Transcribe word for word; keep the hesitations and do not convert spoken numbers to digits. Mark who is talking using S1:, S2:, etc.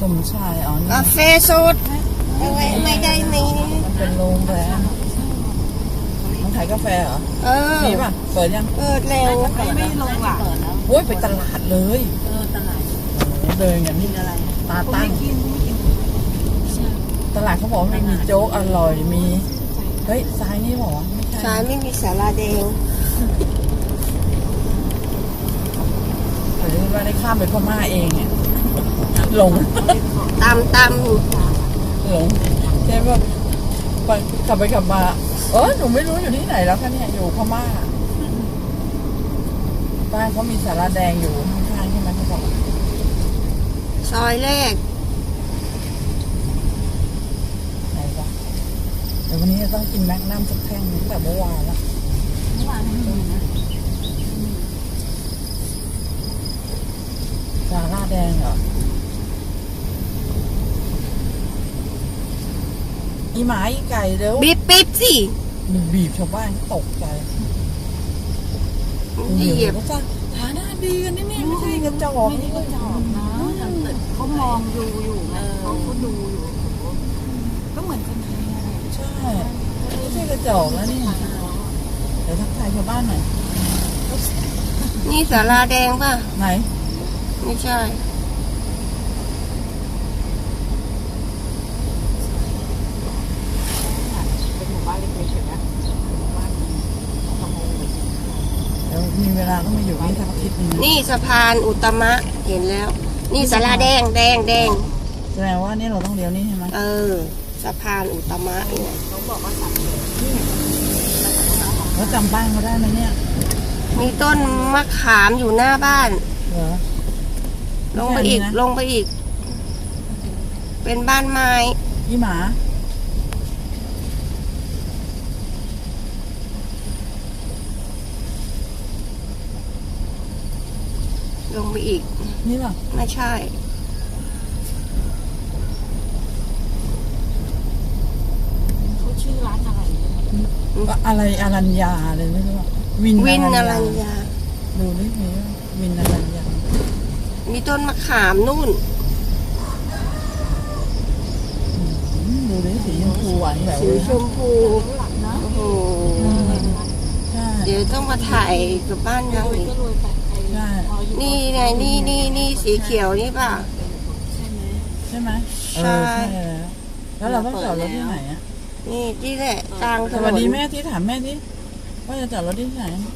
S1: มชายอ๋อนี่
S2: กาแฟสดไม่ไม่ได้มี
S1: มันเป็นโรงแรมมันขายกาแฟเหรอ
S2: เออ
S1: มีป่ะเปิดยัง
S2: เปิดเร็ว
S3: ไม่ไม่ลงหลัก
S1: โอ้ยไปตลาดเลย
S3: เออตลาด
S1: เดินอย่างนี้
S3: อะไร
S1: ตาตั้ง
S3: กินไม่กิน
S1: ตลาดเขาบอกว่ามีโจ๊กอร่อยมีเฮ้ยซ้ายนี่บอกว่าไม่ใช่
S2: สายไม่มีสาราแดง
S1: หรือว่าได้ข้ามไปพม่าเองเนี่ยหลง
S2: ตามตาม
S1: หลงใช่ป่ะไปขับไปขับมาเออหนูไม่รู้อยู่ที่ไหนแล้วคะเนี่ยอยู่พม่าป้ายเขามีสาราแดงอยู่ข้างๆใช่ไหมเขาบอก
S2: ซอยแรก
S1: ไหนวะเดี๋ยววันนี้จะต้องกินแมกนัมสักแท่งตั้งแต่เมื่อวานแล้ว
S3: เมื่อวานไม่มีนะ
S1: สาราแดงเหรออีหมาอีไก่เร็ว
S2: บีบปิ๊บสิ
S1: มันบีบชาวบ้านตกใจ
S2: เหยียบ
S1: เขาจะฐานะดีกันนี่เนี่ยไม่ใช่กระจอก
S3: ไม่ได้ก็จอบนะเขามองดูอยู่ไงเขาก็ดูอยู่ก็เหมือนคนไทยอะไร
S1: ใช่ไม่ใช่กระจอกแล้วนี่เดี๋ยวทักทายชาวบ้านหน่อย
S2: นี่สาราแดงป่ะ
S1: ไหน
S2: ไม่ใช่
S3: เป็นหมู่บ้านเล็กๆเห็นไหมหมู่บ้านขโมย
S1: เดี๋ยวมีเวลาก็มาอยู่นี่สักอาทิตย์หนึงนะ
S2: นี่สะพานอุตมะเห็นแล้ว นี่สาราแดงแดงแดง
S1: แสดงว่านี่เราต้องเลี้ยวนี่ใช่ไหม
S2: เออสะพานอุตมะเนี่ย
S3: เขาบอกว่าสัตว์
S1: แล้วจำบ้านเขาได้ไหมเนี่ย
S2: มีต้นมะขามอยู่หน้าบ้าน
S1: เหรอ
S2: ลงไปอีก ลงไปอีก เป็นบ้านไม้
S1: อีหมา
S2: ลงไปอีก
S1: นี่ป่ะ
S2: ไม่ใช่
S3: เขาชื่อร้านอะไร
S1: อะไรอรัญญาอะไรไม่รู้อะวิน
S2: วินอ
S1: อ
S2: รั
S1: รั
S2: ญ
S1: ญญา
S2: ญา
S1: ดูนี่มีว่าวินอรัญญา
S2: มีต้นมะขามนู่น
S1: อืมดูดิสีชมพูหวานแบบ
S2: สีชมพู
S3: หลักนะ
S2: โอ้โห
S1: ใช่
S2: เดี๋ยวต้องมาถ่ายกับบ้านยัง
S3: รวย
S2: อีก
S3: ก็รวยแต่ไอ้
S1: ใช่
S2: นี่ไงนี่นี่นี่สีเขียวนี่ป่ะ
S3: ใช่ไหม
S1: ใช่ไหมเอ
S2: ใช่
S1: อใช่แล้วแล้วเราต้องจอดรถที่ไหนอะ
S2: นี่ที่แหละกลางถ
S1: ส
S2: น
S1: วัส
S2: น
S1: ดีแม่ที่ถามแม่ที่ว่าจะจอดรถที่ไหน